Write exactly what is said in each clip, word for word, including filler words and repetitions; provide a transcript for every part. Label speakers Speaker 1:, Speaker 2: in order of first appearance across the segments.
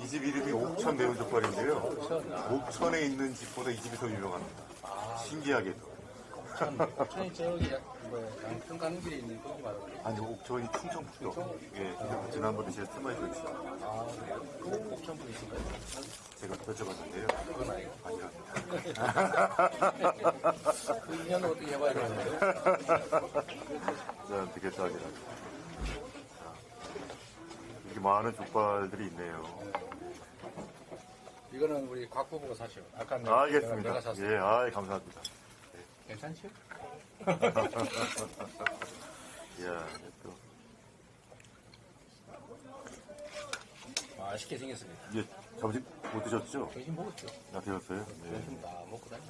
Speaker 1: 이 집 이름이 옥천 매운족발인데요. 옥천에 있는 집보다 이 집이 더 유명합니다. 신기하게도.
Speaker 2: 옥천이 저기 뭐야 양평 가는 길에 있는 거기 말고.
Speaker 1: 아니, 옥천이 충청북도. 예, 지난번에 제가 스마일 줬어요.
Speaker 2: 아, 그래요? 옥천 분이신가요?
Speaker 1: 제가 여쭤봤는데요.
Speaker 2: 그건 아니고.
Speaker 1: 아니랍니다.
Speaker 2: 그 인연을 어떻게 해봐야 되는데요?
Speaker 1: 자, 되겠다, 아니라. 이렇게 많은 족발들이 있네요.
Speaker 2: 이거는 우리 곽 부부가 사시오. 아까
Speaker 1: 아,
Speaker 2: 내가,
Speaker 1: 알겠습니다.
Speaker 2: 내가 샀어.
Speaker 1: 예, 아, 감사합니다.
Speaker 2: 괜찮죠?
Speaker 1: 이야, 또.
Speaker 2: 맛있게 생겼습니다.
Speaker 1: 예, 점심 못 드셨죠?
Speaker 2: 점심 먹었죠?
Speaker 1: 아, 드셨어요? 네.
Speaker 2: 점심 다 먹고 다니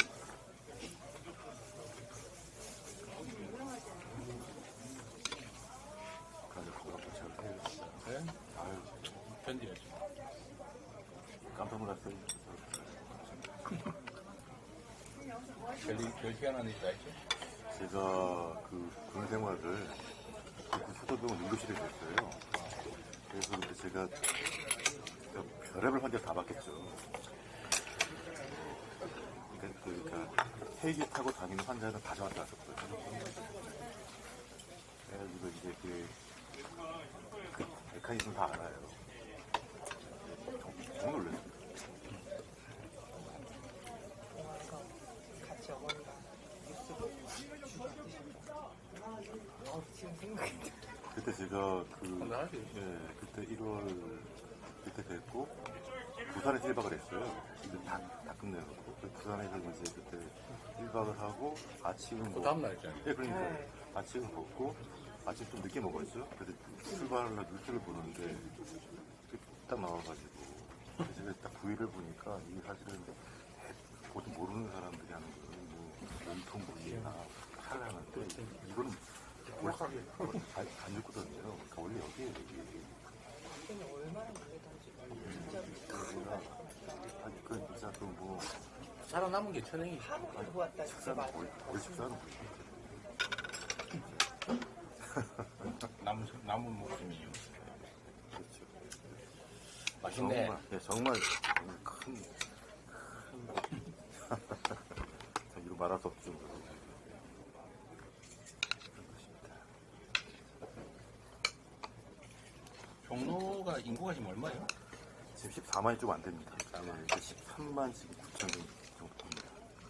Speaker 1: 가족 건강보셔도 돼요.
Speaker 2: 네?
Speaker 1: 아유,
Speaker 2: 견디야죠.
Speaker 1: 깜짝 놀랐어요.
Speaker 2: 별, 별 희한한 일이 다 있죠?
Speaker 1: 제가 그 군 생활을 그 수도병원 응급실에 했어요. 그래서 근데 제가 별의별 환자 다 받겠죠. 그러니까, 그러니까 헬기 타고 다니는 환자는 다 저한테 왔었거든요. 그래가지고 이제 그, 그 메커니즘 다 알아요. 정- 정말 놀랐어요.
Speaker 3: 같이 어머니가 뉴스 보고 어, 지금 생각이 나.
Speaker 1: 그때 제가 그,
Speaker 2: 건강하지?
Speaker 1: 예, 그때 일월 그때 됐고, 부산에서 일 박을 했어요. 근데 다, 다 끝내놓고. 부산에서 이제 그때 일 박을 하고, 아침은
Speaker 2: 그 다음날 있잖아요.
Speaker 1: 예, 그러니까
Speaker 3: 네.
Speaker 1: 아침은 먹고, 아침 좀 늦게 먹었죠. 그래서 출발하려 뉴스를 보는데, 딱 나와가지고, 그래서 제가 딱 구일을 보니까, 이게 사실은 보통 모르는 사람들이 하는 거는 뭐, 몸통 부위나 팔을 하는데, 이거는 원래 안, 안 죽거든요. 그러니까 원래 여기에, 여기.
Speaker 3: 그때는 얼마나 놀랬던지 진짜
Speaker 1: 제가, 아니, 그, 진짜 그 뭐,
Speaker 2: 살아남은 게 천행이.
Speaker 3: 하루를 보았다 진짜
Speaker 1: 식사는
Speaker 3: 많이.
Speaker 1: 거의, 거의 식사는 거의.
Speaker 2: 남은, 남은 목숨이요.
Speaker 1: 그렇죠.
Speaker 2: 맛있네.
Speaker 1: 정말, 네, 정말, 정말 큰, 큰, 참, 이거 말할 수 없을 정도로. 그런 것입니다.
Speaker 2: 종로가 인구가 지금 얼마예요?
Speaker 1: 지금 십사만이 좀 안 됩니다. 네, 십삼만 지금 구천 정도 됩니다.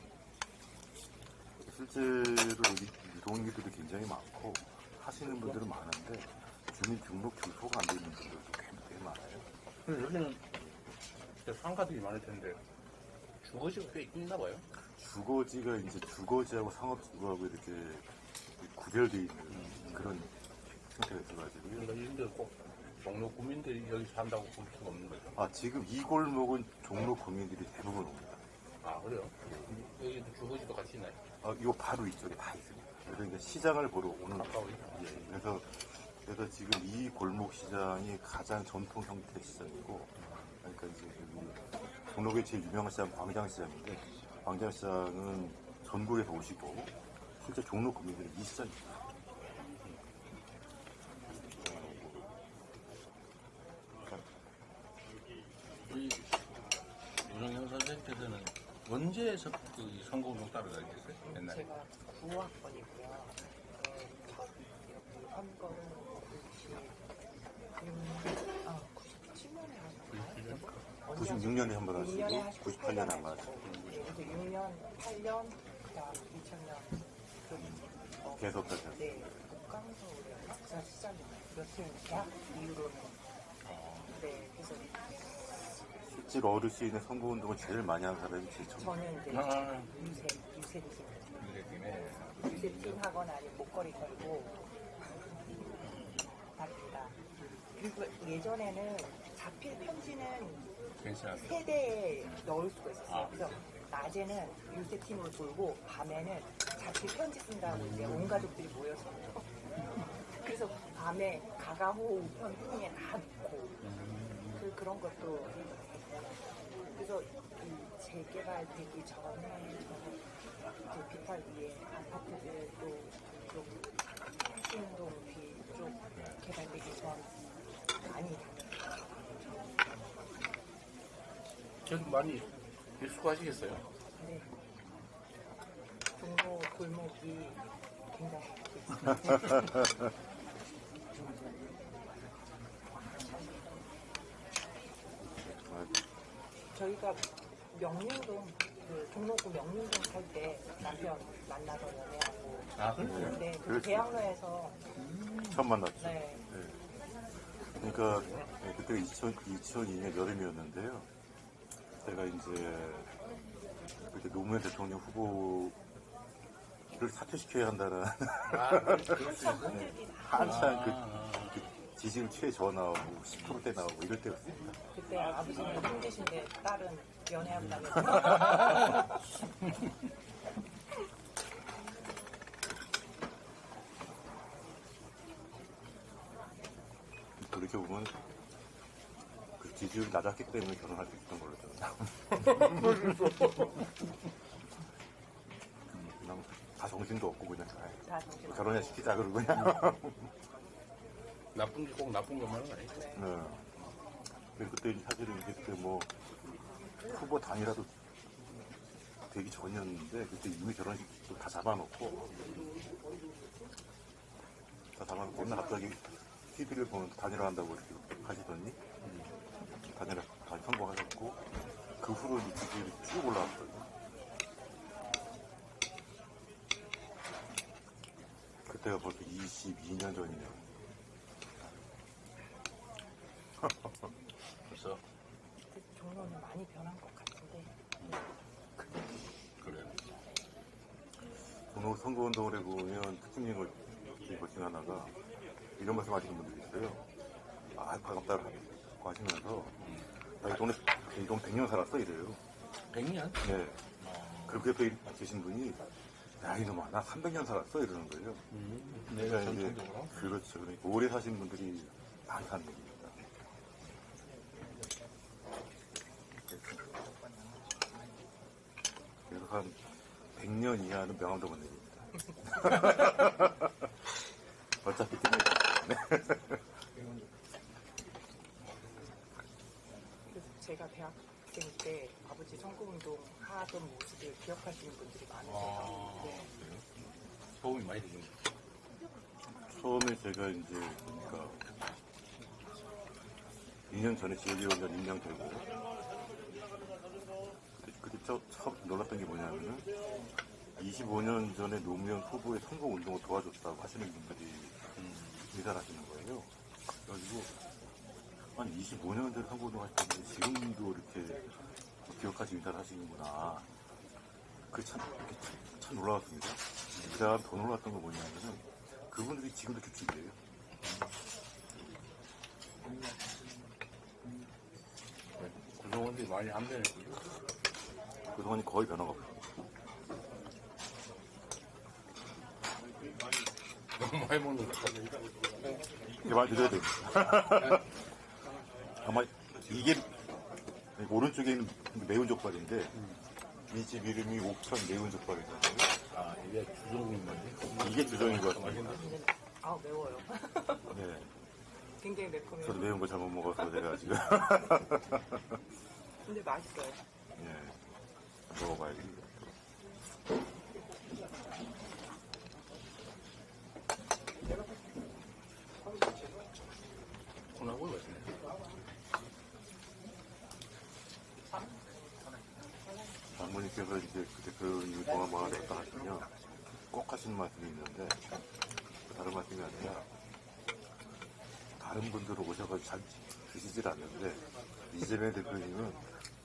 Speaker 1: 실제로 여기 유동인들이 굉장히 많고, 하시는 분들은 많은데, 주민등록 주소가 안 돼 있는 분들도 꽤, 꽤 많아요.
Speaker 2: 근데 여기는 진짜 상가들이 많을 텐데 주거지가 꽤 있나 봐요.
Speaker 1: 주거지가 이제 주거지하고 상업지구하고 이렇게 구별되어 있는 그런 형태가 있어가지고요.
Speaker 2: 그러니까 이분들 꼭 종로 구민들이 여기 산다고 볼 수가 없는 거죠.
Speaker 1: 아, 지금 이 골목은 종로 구민들이 대부분 옵니다.
Speaker 2: 아, 그래요? 여기도 주거지도 같이 있나요?
Speaker 1: 아, 이거 바로 이쪽에 다 있습니다. 그래서 이제 시장을 보러 오는 거예요.
Speaker 2: 가까워요?
Speaker 1: 예, 그래서, 그래서 지금 이 골목 시장이 가장 전통 형태의 시장이고, 그러니까 이제 여기 종로의 제일 유명한 시장 광장시장인데, 광장시장은 전국에서 오시고, 실제 종로 구민들은 이 시장입니다.
Speaker 2: 우리 윤영현 선생님께서는 언제 서, 그 선거운동 따라가게 됐어요? 옛날에?
Speaker 3: 제가 구학번이고요. 첫 선거는 아, 구십칠 년에 하셨나요?
Speaker 1: 구십육 년에 한 번 하시고,
Speaker 3: 육 년에 하시고
Speaker 1: 구십팔 년에 한 번 하시고.
Speaker 3: 그래서 육 년, 팔 년, 그 다음 이천 년. 그, 어,
Speaker 1: 계속까지 하시고.
Speaker 3: 네, 국강서울에 박사 시장이 몇년 대학 이후로는. 네, 그래서
Speaker 1: 실제로 얻을 수 있는 선거운동을 제일 많이 한 사람이 제일 처음.
Speaker 3: 저는 이제
Speaker 2: 아.
Speaker 3: 유세, 유세팀.
Speaker 2: 유세팀에
Speaker 3: 유세팀 하거나 아니면 목걸이 걸고 답니다. 그리고 예전에는 자필 편지는
Speaker 2: 괜찮았어요.
Speaker 3: 세대에 넣을 수가 있었어요.
Speaker 2: 아,
Speaker 3: 그래서 낮에는 유세팀으로 돌고 밤에는 자필 편지 쓴다고 이제 온 가족들이 모여서 그래서 밤에 가가호 우편통에 다 넣고 그, 그런 것도 그래서 이 재개발되기 전에 저 비탈 위에 아파트들도 좀 신동 뒤쪽 개발되기 전 많이 다녔어요.
Speaker 2: 전 많이 익숙하시겠어요?
Speaker 3: 네. 종로 골목이 굉장히 저희가 명륜동 그 종로구 명륜동 살 때 남편 만나서 연애하고
Speaker 2: 아, 그래요?
Speaker 3: 네, 그
Speaker 1: 그랬어요.
Speaker 3: 대학로에서
Speaker 1: 처음 만났죠.
Speaker 3: 네,
Speaker 1: 그러니까 네, 그때 이천이 년 여름이었는데요. 제가 이제 그때 노무현 대통령 후보를 사퇴시켜야 한다는
Speaker 2: 아, 그럴 수 있어요?
Speaker 1: 네, 한참
Speaker 2: 아,
Speaker 1: 그,
Speaker 2: 아.
Speaker 1: 그 지지율 최저 나오고 십 퍼센트대 나오고 이럴 때였습니다.
Speaker 3: 그때 아버지는 힘드신데 딸은 연애한다면서
Speaker 1: 그렇게 보면 그 지지율이 낮았기 때문에 결혼할 수 있었던 걸로 저는. 그냥 다 정신도 없고 그냥 아이,
Speaker 3: 다 정신
Speaker 1: 결혼해 시키자 그러고 그냥.
Speaker 2: 나쁜 게 꼭 나쁜 것만은 아니죠.
Speaker 1: 네. 그리고 그때 사실은 이제 그때 뭐 후보 단이라도 되기 전이었는데 그때 이미 결혼식도 다 잡아놓고 다 잡아놓고 맨날 갑자기 티비를 보면 단일화 한다고 이렇게 하시더니 단일화 다 성공하셨고 그 후로 이 지지율이 쭉 올라왔거든요. 그때가 벌써 이십이 년 전이네요.
Speaker 2: 그래서,
Speaker 3: 종로는 많이 변한 것 같은데
Speaker 2: 그래요.
Speaker 1: 종로 선거운동을 해보면 특징인 것 중에 하나가 이런 말씀 하시는 분들이 있어요. 아, 반갑다고 하시면서 나 이 동네, 이 동네 백 년 살았어 이래요.
Speaker 2: 백 년?
Speaker 1: 네. 그리고 옆에 계신 분이 야 이놈아 나 삼백 년 살았어 이러는 거예요.
Speaker 2: 음,
Speaker 1: 그러니까
Speaker 2: 내가
Speaker 1: 이제
Speaker 2: 전통적으로.
Speaker 1: 그렇죠. 그러니까 오래 사신 분들이 많이 사는 겁니다. 그래서 한 백 년 이하는 명함도 못 내립니다. 어차피 때문에.
Speaker 3: 그래서 제가 대학생 때 아버지 선거운동 하던 모습을 기억하시는 분들이 많으세요.
Speaker 2: 아,
Speaker 3: 네.
Speaker 2: 그래요? 도움이 많이 되겠네요.
Speaker 1: 처음에 제가 이제 그러니까 이 년 전에 지역위원장 임명되고 그때, 그때 저, 처음 놀랐던 게 뭐냐면은 이십오 년 전에 노무현 후보의 선거운동을 도와줬다고 하시는 분들이 인사를 하시는 거예요. 그래가지고 한 이십오 년 전에 선거운동 하실 때 지금도 이렇게 기억하시 인사를 하시는구나. 그게 참, 이렇게 참, 참 놀라웠습니다. 그 다음 더 놀랐던 건 뭐냐면은 그분들이 지금도 규칙이에요.
Speaker 2: 구성원들이 많이 안 변했고요.
Speaker 1: 그동안이 거의 변화가 없어요.
Speaker 2: 너무 많이 먹는 것 같아요.
Speaker 1: 개발 드려야 됩니다. 아마 이게 오른쪽에 있는 매운 족발인데 이 집 이름이 옥천 매운 족발이잖아요.
Speaker 2: 아, 이게 주종인 건데?
Speaker 1: 이게 주정인 것 같습니다.
Speaker 3: 근데 아 매워요.
Speaker 1: 네.
Speaker 3: 굉장히 매콤해요.
Speaker 1: 저도 매운 거 잘못 먹어서 제가 지금
Speaker 3: 근데 맛있어요.
Speaker 1: 예. 먹어봐야겠네요.
Speaker 2: 콘하고 맛있네.
Speaker 1: 장모님께서 이제 그때 그런 동화마을 했다 하시면 꼭 하시는 말씀이 있는데 다른 말씀이 아니라 다른 분들 오셔서 잘 드시질 않는데 이재명 대표님은